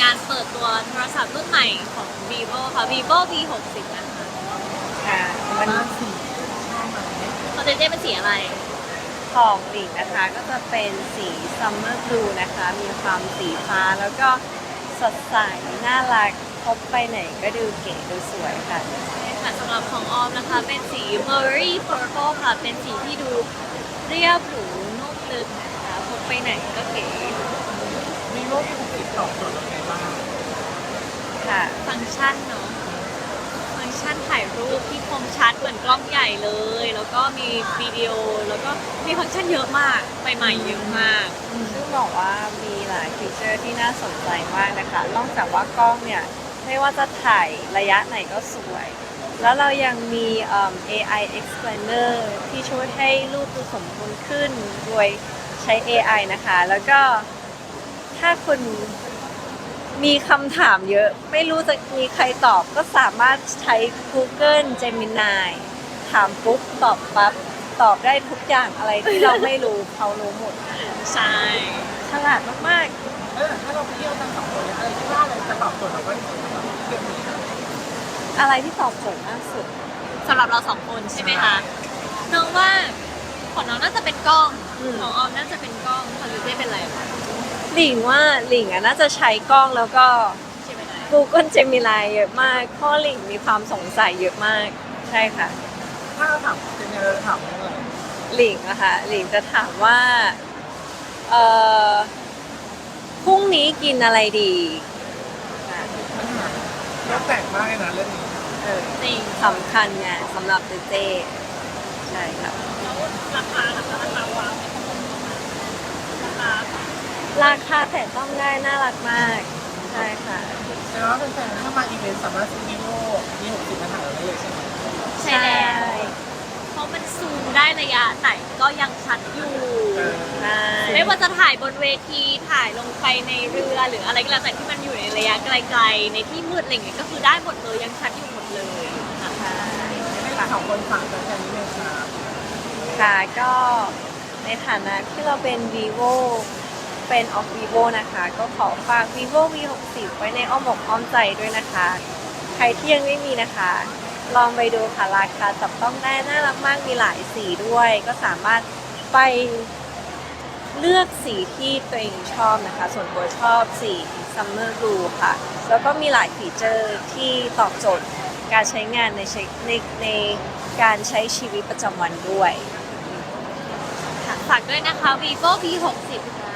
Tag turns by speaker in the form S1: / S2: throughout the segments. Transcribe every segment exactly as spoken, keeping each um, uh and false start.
S1: การเปิดตัวโทรศัพท์รุ่นใหม่ของ vivo ค่ะ vivo วี หกสิบ นะคะ
S2: ค่ะมัน
S1: ของเจเจเป็นสีอะไร
S2: ของหลิงนะคะก็จะเป็นสีซัมเมอร์บลูนะคะ มีความสีฟ้าแล้วก็สดใสน่ารักพกไปไหนก็ดูเก๋ดูสวยค่ะ
S1: ค่ะสำหรับของออมนะคะเป็นสี Murray Purple ค่ะ เป็นสีที่ดูเรียบหรูนุ่มลึกนะคะพกไปไหนก็เก๋
S3: มีโลกที่ถูกติดต่อโจทย์ยังไงบ้าง
S2: ค่ะ
S1: ฟังก์ชันเนาะฟังก์ชันถ่ายรูปที่คมชัดเหมือนกล้องใหญ่เลย แล้วก็มีวิดีโอแล้วก็มีฟังก์ชันเยอะมากใหม่ๆเยอะมาก
S2: ซึ่งบอกว่ามีหลายฟีเจอร์ที่น่าสนใจมากนะคะ นอกจากว่ากล้องเนี่ยไม่ว่าจะถ่ายระยะไหนก็สวย แล้วเรายังมีเอิ่ม เอ ไอ Explainer ที่ช่วยให้รูปดูสมบูรณ์ขึ้นโดยใช้ เอ ไอ นะคะ แล้วก็ถ้าคุณมีคำถามเยอะ ไม่รู้จะมีใครตอบก็สามารถใช้ Google Gemini ถามปุ๊บตอบปั๊บ ตอบได้ทุกอย่างอะไรที่เราไม่รู้ เขารู้หมด
S1: ใช่
S2: ฉลาดมาก
S3: เออถ้าเราไปเที่ยวกันสองคนเนี่ยอะไรที่ว่าอะไรจะตอบโจทย์เราก็ได้เที่ยวนี้
S2: ๆ อะไรที่ตอบโจทย์มากสุด
S1: สำหรับเราสองคนใช่ไหมคะน้องว่าของน้องน่าจะเป็นกล้อง
S2: อืม
S1: ของออมน่าจะเป็นกล้องของเจเจเป็นอะไรคะ
S2: หลิงว่าหลิงอะน่าจะใช้กล้องแล้วก็
S1: ใช่ไหมนาย
S2: Google Gemini เยอะมากเพราะหลิงมีความสงสัยเยอะมาก ใช่ค่ะ
S3: ถ้าเราถามเป็นยังไงเราถามว่าอะไร
S2: หลิงอะค่ะ หลิงจะถามว่า เอ่อ พรุ่งนี้กินอะไรดีอ่ะ
S3: แล้วแต่งมากเลยนะเรื่องนี้
S2: เออ
S1: จริง
S2: สำคัญไงสำหรับเจเจใช่ครับ
S1: แล้วราคาราคาราคาวางราคา
S2: ราคาแต่ต้องได้น่ารักมาก ใช่ค่ะ
S3: แต่ว่าแฟนๆถ้ามาอีเวนต์สามารถซื้อวีโว่มีหกสิบมาถ่ายเราได้เลยใช่ไหม
S1: ใช่แล้วเพราะมันซูมได้ระยะไหนก็ยังชัดอยู่
S3: เออ
S2: ใช่
S1: ไม่ว่าจะถ่ายบนเวทีถ่ายลงไปในเรือหรืออะไรก็แล้วแต่ที่มันอยู่ในระยะไกลๆในที่มืดอะไรอย่างเงี้ยก็คือได้หมดเลยยังชัดอยู่หมดเลยนะคะ
S3: ให้สองคนฝากแฟนๆนิดนึงครับ
S2: ค่ะก็ในฐานะที่เราเป็น vivo เป็น of vivo นะคะ ก็ขอฝาก vivo วี หกสิบ ไว้ในอ้อมอกอ้อมใจด้วยนะคะ ใครที่ยังไม่มีนะคะ ลองไปดูค่ะ ราคาจับต้องได้น่ารักมากมีหลายสีด้วย ก็สามารถไปเลือกสีที่ตัวเองชอบนะคะ ส่วนตัวชอบสี summer blue ค่ะ แล้วก็มีหลายฟีเจอร์ที่ตอบโจทย์การใช้งานในใช้ในในการใช้ชีวิตประจำวันด้วย
S1: ค่ะฝากด้วยนะคะ vivo วี หกสิบ ค่ะ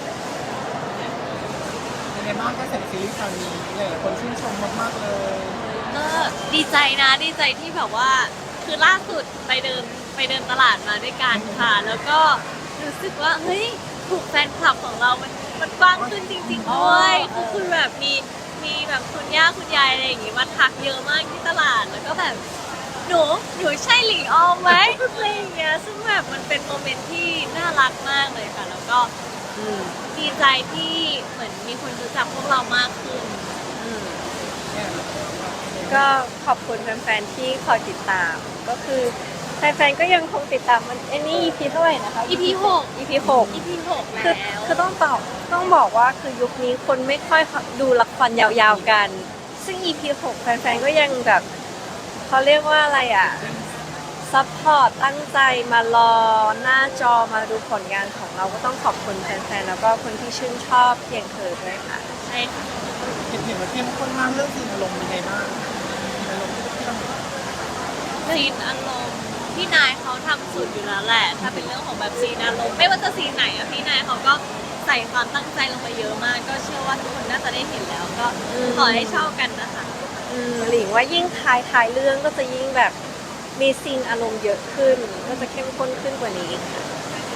S3: ยังไงบ้างก็เสร็จซีรีส์คราวนี้หลายๆคนชื่นชมมากๆเลย
S1: ก็ดีใจนะดีใจที่แบบว่าคือล่าสุดไปเดินไปเดินตลาดมาด้วยกันค่ะ แล้วก็รู้สึกว่าเฮ้ยถูกแฟนคลับของเรามันมันกว้างขึ้นจริงๆด้วยคือคือแบบมีมีแบบคุณย่าคุณยายอะไรอย่างงี้มาทักเยอะมากที่ตลาดแล้วก็แบบหนูหนูใช่หลิงออมไหมอะไรอย่างเงี้ยซึ่งแบบมันเป็นโมเมนต์ที่น่ารักมากเลยค่ะ แล้วก็
S2: อืม
S1: ดีใจที่เหมือนมีคนรู้จักพวกเรามากขึ้น
S2: อืม
S3: เนี่ย
S2: ก็ขอบคุณแฟนๆที่คอยติดตาม ก็คือแฟนๆก็ยังคงติดตามมันไอ้นี่ อี พี เท่าไหร่นะคะ
S1: อี พี หก
S2: อี พี หก
S1: อี พี หก
S2: คือ
S1: แล้ว
S2: คือต้องตอบต้องบอกว่าคือยุคนี้คนไม่ค่อยดูละครยาวๆกัน ซึ่ง อี พี หกแฟนๆก็ยังแบบเขาเรียกว่าอะไรอ่ะซัพพอร์ตตั้งใจมารอหน้าจอมาดูผลงานของเราก็ต้องขอบคุณแฟนๆแล้วก็คนที่ชื่นชอบเพียงเธอด้วยค่ะ
S1: ใช่ค่ะ
S3: เห็นเห็นว่าเข้มข้นมากเรื่องซีนอารมณ์เป็นไงบ้างซีนอารมณ์ที่ต้อง
S1: ซีนอารมณ์พี่นายเขาทำสุดอยู่แล้วแหละ ถ้าเป็นเรื่องของแบบซีนอารมณ์ไม่ว่าจะซีนไหนอะพี่นายเขาก็ใส่ความตั้งใจลงไปเยอะมาก ก็เชื่อว่าทุกคนน่าจะได้เห็นแล้ว ก็
S2: อืม
S1: ขอให้ชอบกันนะคะ
S2: อืมหลิงว่ายิ่งท้ายท้ายเรื่องก็จะยิ่งแบบมีซีนอารมณ์เยอะขึ้น ก็จะเข้มข้นขึ้นกว่านี้อีกค่ะ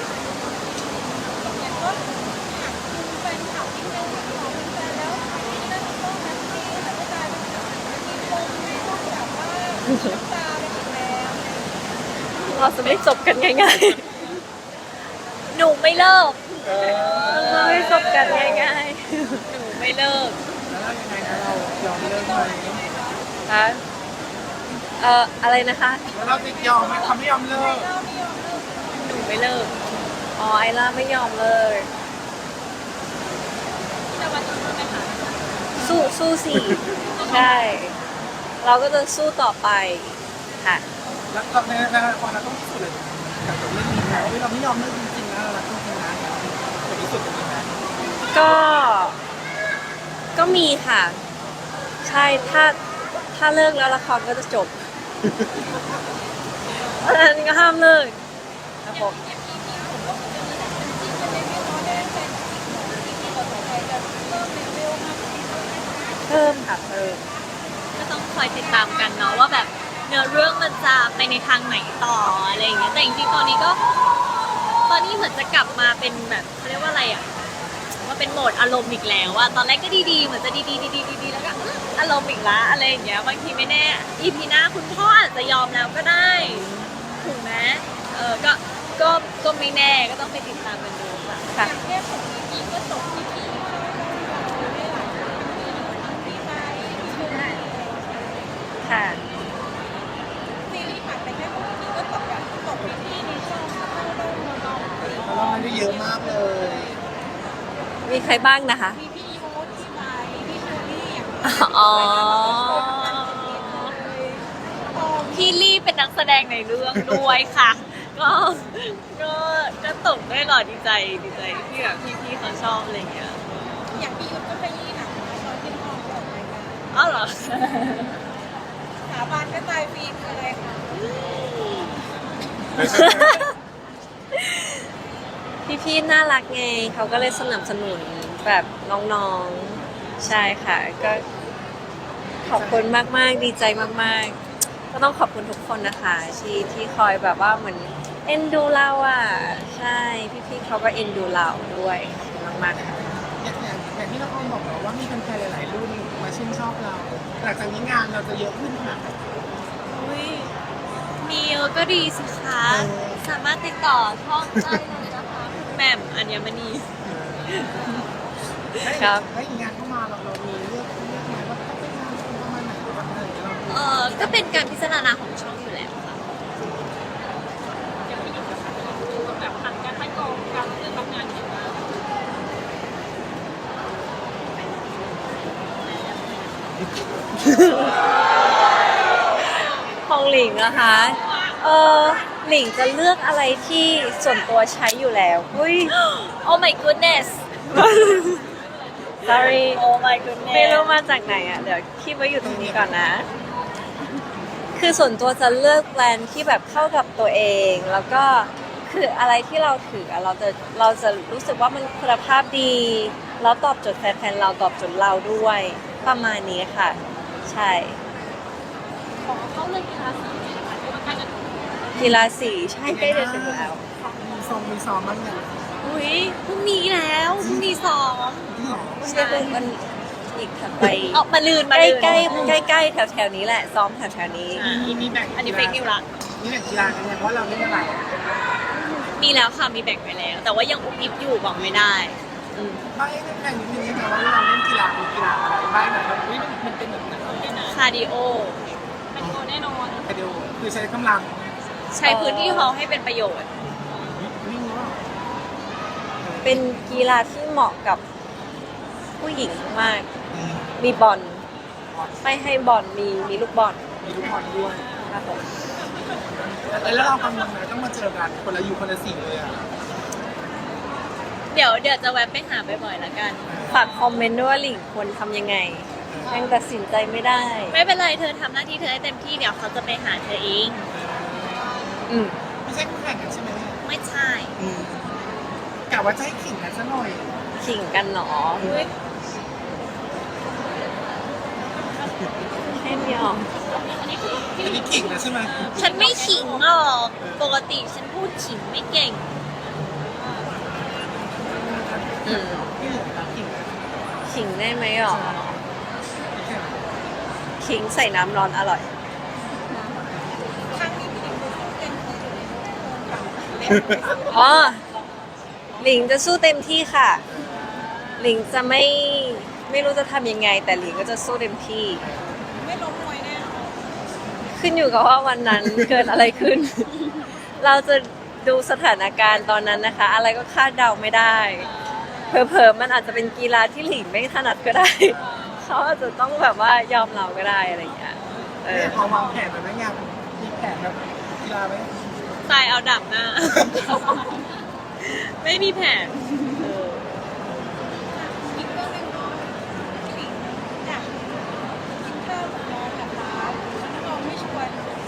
S2: เราจะไม่จบกันง่าย
S1: หนูไม่เลิก
S3: เอ
S2: ๆเราไม่จบกันง่าย
S1: หนูไม่เลิก
S3: แล้วเรายังไงนะเรายอมเลิกไหม
S2: ๆคะเอ่ออะไรนะคะ
S3: แล้วเราจะยอมไหมเขาไม่ยอมเลิก
S1: หนูไม่เลิก
S2: อ๋อไอล่าไม่ยอมเลย
S1: จะวันนี้ไหมคะ
S2: สู้สู้สิใช่ เราก็จะสู้ต่อไปค่ะ
S3: แล้วก็ในในละครเราต้องพิสูจน์เลยกับเรื่องนี้นะว่าเราไม่ยอมเลิกจริงๆนะเรารักจริงๆนะจะพิสูจน์จริงๆนะ
S2: ก็ ก็มีค่ะ ใช่ ถ้า ถ้าเลิกแล้วละครก็จะจบเพราะฉะนั้นก็ห้ามเลิกครับผมเพิ่มค่ะเพิ่ม
S1: ก็ต้องคอยติดตามกันเนาะว่าแบบเนื้อเรื่องมันจะไปในทางไหนต่ออะไรอย่างเงี้ยแต่จริงๆตอนนี้ก็ ตอนนี้เหมือนจะกลับมาเป็นแบบเขาเรียกว่าอะไรอ่ะว่าเป็นโหมดอารมณ์อีกแล้วอะตอนแรกก็ดีๆเหมือนจะดีๆดีๆดีๆแล้วก็อื้ออารมณ์อีกละอะไรอย่างเงี้ยบางทีไม่แน่ อี พี หน้าคุณพ่ออาจจะยอมแล้วก็ได้ถูกไหมเออก็ก็ก็ไม่แน่ก็ต้องไปติดตามกันดูค่ะ
S2: ค่ะ
S4: แค่ของอีพีก็จบที่พี่ได้หลายดีใจชื่นใจ
S2: ค่ะ
S4: ซีรีส์ผ่านไปแค่ของอีพีก็จบแบบจบที่พี่ในช่องเข้าโดมมาลอง
S3: เราไม่ได้เยอะมากเลย
S2: มีใครบ้างนะคะ
S4: มีพี่อีโมที่ไลพี่เชอรี่อย่าง
S2: อ๋อ
S1: พี่ลี่เป็นนักแสดงในเรื่องด้วยค่ะ ก็ก็ก็ตกได้หรอดีใจดีใจที่แบบพี่ๆเขาชอบอะไรอย่างเงี้ย
S4: อย่างพี่ยุทธก็ขยี้หนังนะตอนที่ห้องออกรายการ
S1: อ้าวเหรอ
S4: สาบานก็ตายฟรีคืออะไรคะ
S2: พี่ๆน่ารักไงเขาก็เลยสนับสนุนแบบน้องๆ ใช่ค่ะ ก็ขอบคุณมากๆ ดีใจมากๆ ก็ต้องขอบคุณทุกคนนะคะที่ที่คอยแบบว่าเหมือนเอ็นดูเราอ่ะ ใช่พี่ๆเขาก็เอ็นดูเราด้วยขอบคุณมากๆค่ะ
S3: อย่างอย่างอย่างที่เราคงบอกเราว่ามีแฟนๆหลายๆรุ่นมาชื่นชอบเรา หลังจากนี้งานเราจะเยอะขึ้นขนาดไหน
S1: อุ้ยมีเยอะก็ดีสิคะ สามารถติดต่อช่องได้เลยนะคะคุณแหม่มอัญมณี
S2: ครับ
S3: แล้วอีกงานเข้ามาเราเรามีเลือกเลือกไหมว่าต้องเป็นงานประมาณไหนหรือว่าอะไรเรา
S1: เออก็เป็นการพิจารณาของช่องอยู่แล้วค่ะแบบผ่านการคัดกรองการเลือกรับงานอย่างไร
S2: ของหลิงนะคะ เออหลิงจะเลือกอะไรที่ส่วนตัวใช้อยู่แล้วอุ้ย
S1: Oh my goodness
S2: sorry
S1: Oh my goodness
S2: ไม่รู้มาจากไหนอ่ะ เดี๋ยวคีบไว้อยู่ตรงนี้ก่อนนะ คือส่วนตัวจะเลือกแบรนด์ที่แบบเข้ากับตัวเอง แล้วก็คืออะไรที่เราถืออะเราจะเราจะรู้สึกว่ามันคุณภาพดี แล้วตอบโจทย์แฟนๆเราตอบโจทย์เราด้วย ประมาณนี้ค่ะ ใช่
S1: ของเขาเลือกกีฬาสีนะคะที่ว่าการจะ
S2: กีฬาสีใช่ใกล้จะถึงแล้ว
S3: มีซองมีซองบ้างอย่าง
S1: อุ้ยพรุ่งนี้แล้วพรุ่งนี้ซ้อม
S3: ที่หรอ
S2: ไม่ใช่เป็นวันอีกถัดไป
S1: ออกมาลืน
S2: ใก
S1: มา
S2: ล้
S1: ลืน
S2: ใกล้ใกล้ใกล้แถวแถวๆนี้แหละ ซ้อมแถวแถวๆนี้
S1: อ่า
S3: มีมีแบ่ง
S1: อันนี้เฟกนิวละ
S3: มีแบ่งกีฬากันเนี่ยเพราะเราเล่นอะไรอ่ะ
S1: มีแล้วค่ะมีแบ่งไปแล้ว แต่ว่ายังอุบอิบอยู่บอกไม่ได้อืม
S3: บ้างแบ่งนิดนึงนะว่าเราเล่นกีฬามีกีฬาอะไรบ้างแบบเฮ้ยมันเป็นแบบไหน
S1: คาร์ดิโอ
S4: คาร์ดิโอแน่นอน
S3: ไปดูคือใช้กำลัง
S1: ใช้พื้นที่เขาให้เป็นประโยชน์
S3: วิ่งหรือเปล่า
S2: เป็นกีฬาที่เหมาะกับผู้หญิงมาก มีบอลไม่ให้บอลมีมีลูกบอล
S3: มีลูกบอลด้วย
S2: ครับผม
S3: แล้วเรากำลังไหนต้องมาเจอกันคนละอยู่คนละสิ่งเลยอ่ะ
S1: เดี๋ยวเดี๋ยวจะแวะไปหาบ่อยๆละกัน
S2: ฝากคอมเมนต์ด้วยว่าหลิงควรทำยังไง ยังตัดสินใจไม่ได้
S1: ไม่เป็นไรเธอทำหน้าที่เธอให้เต็มที่เดี๋ยวเขาจะไปหาเธอเอง
S2: อืม
S3: ไม่ใช่คู่แข่งกันใช่ไหม
S1: ไม่ใช่
S3: กะว่าจะให้ขิงกันซะหน่อย
S2: ขิงกันหนอให้เดียว
S3: อันนี้ขิงนะใช่ไหม
S1: ฉันไม่ขิงหรอกปกติฉันพูดขิงไม่เก่ง
S2: อืม
S3: ที่เหลือเราขิงกัน
S2: ขิงได้ไหมหรอ ขิงใส่น้ำร้อนอร่อย
S4: ครั้งนี้พี่หลิงดูเต็มที่อยู่ในโรงกับ
S2: อ๋อ หลิงจะสู้เต็มที่ค่ะ หลิงจะไม่ไม่รู้จะทำยังไง แต่หลิงก็จะสู้เต็มที่
S4: ไม่ล้มมวยแน่นอน
S2: ขึ้นอยู่กับว่าวันนั้น เกิดอะไรขึ้น เราจะดูสถานการณ์ตอนนั้นนะคะ อะไรก็คาดเดาไม่ได้ เผลอๆมันอาจจะเป็นกีฬาที่หลิงไม่ถนัดก็ได้ คเขาอาจจะต้องแบบว่ายอมเราก็ได้อะไรอย่างเงี้ยเออ
S3: เนี่ยเขาวางแผนไว้ไหมงานมีแผนแบบกีฬาไหม
S1: ตายเอาดับหน้า ไม่มีแผน
S2: เออ
S4: อีกเรื่องหนึงเนาะพี่หลิงอยากกินข้าวกับน้องกับร้านแล้วน้องไม่ชวน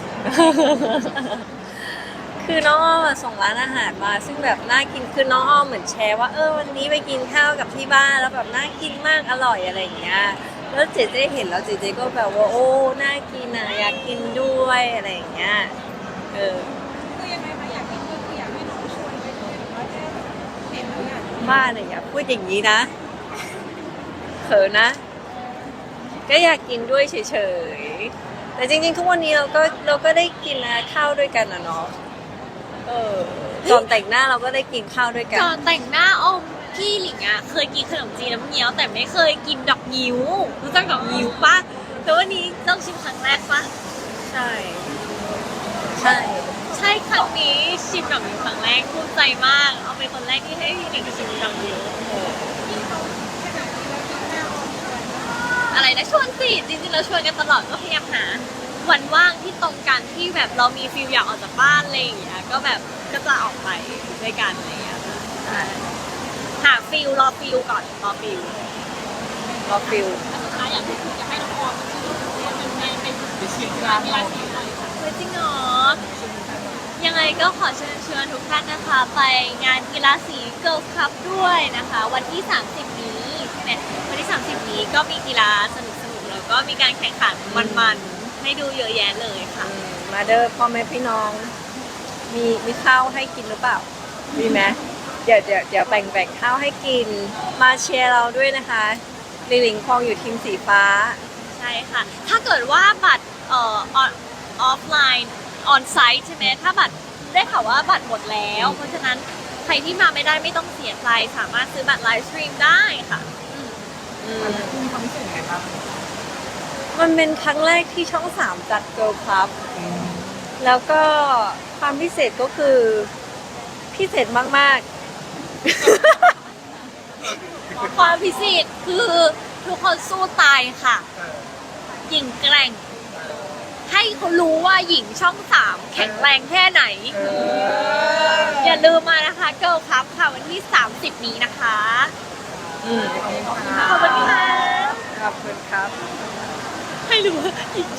S2: คือน้องอ้อมอะส่งร้านอาหารมา ซึ่งแบบน่ากินคือน้องอ้อมเหมือนแชร์ว่าเออวันนี้ไปกินข้าวกับที่บ้านแล้วแบบน่ากินมากอร่อยอะไรอย่างเงี้ยแล้วเจเจเห็นแล้วเจเจก็แบบว่าโอ้น่ากินอ่ะอยากกินด้วยอะไรอย่างเงี้ยเออ
S4: คือยังไงคะอยากกินก็คืออยากให้น้องชวนไปด้วยหรือว่าแค่เห็นแล้วอยากกิน
S2: บ้านเนี่ยอย่าพูดอย่างนี้นะเขินนะ ก็อยากกินด้วยเฉยๆแต่จริงๆทุกวันนี้เราก็เราก็ได้กินนะข้าวด้วยกันนะเนาะเออก่อนแต่งหน้าเราก็ได้กินข้าวด้วยกัน
S1: ก่อนแต่งหน้าอมพี่หลิงอะเคยกินขนมจีนน้ำเงี้ยวแต่ไม่เคยกินดอกงิ้วรู้จักดอกงิ้วปะแต่วันนี้ต้องชิมครั้งแรกปะ
S2: ใช่ ใช่
S1: ใช่ครั้งนี้ชิมดอกงิ้วครั้งแรกภูมิใจมาก เอาเป็นคนแรกที่ให้พี่หลิงชิมดอกงิ้ว
S4: ที่เขาขนาดนี้แล้วกินหน้าออมชวน
S1: อะไรนะชวนสิจริงๆเราชวนกันตลอดก็พยายามหาวันว่างที่ตรงกันที่แบบเรามีฟิลอยากออกจากบ้านอะไรอย่างเงี้ยก็แบบก็จะออกไปด้วยกันอะไรอย่างเงี้ยใช่หาฟิลรอฟิลก่อนรอฟิล
S2: รอฟิล
S4: สุดท้ายอยากให้อยากให้น้องออมชื่อเป็นไงเป็น
S3: ไปเชียร์กีฬา
S4: กี
S3: เรา
S4: ฬาสีอะไรค่ะ
S1: เฮ้ยจริงเหรอยังไงก็ขอเชิญชวนทุกท่านนะคะ ไปงานกีฬาสีเกิร์ลคัพด้วยนะคะ วันที่ สามสิบ นี้ใช่ไหมวันที่ สามสิบ นี้ก็มีกีฬาสนุกๆแล้วก็มีการแข่งขันมันๆให้ดูเยอะแยะเลยค่ะ
S2: อืมมาเด้อพ่อแม่พี่น้อง มีมีข้าวให้กินหรือเปล่า มีไหมเดี๋ยวเดี๋ยวเดี๋ยวแบ่งแบ่งข้าวให้กิน มาเชียร์เราด้วยนะคะลิลิงคองอยู่ทีมสีฟ้า
S1: ใช่ค่ะ ถ้าเกิดว่าบัตรเอ่อออฟไลน์ออนไซต์ใช่ไหมถ้าบัตรได้ข่าวว่าบัตรหมดแล้ว เพราะฉะนั้นใครที่มาไม่ได้ไม่ต้องเสียใจสามารถซื้อบัตรไลฟ์สตรีมได้ค่ะอืม
S2: อืม
S3: อันนี้มีความพิเศษยังไงครับ
S2: มันเป็นครั้งแรกที่ช่องสามจัดเกิร์ลคลับ แล้วก็ความพิเศษก็คือพิเศษมาก
S1: ความพิเศษคือทุกคนสู้ตายค่ะ หญิงแกร่ง ให้เขารู้ว่าหญิงช่องสามแข็งแรงแค่ไหน อย่าลืมมานะคะเกิร์ลคัพค่ะวันที่ สามสิบ นี้นะคะ
S2: ๆอืม
S1: ขอบคุณค่ะ
S2: ขอบคุณครับ
S1: ให้รู้ว่าหญิง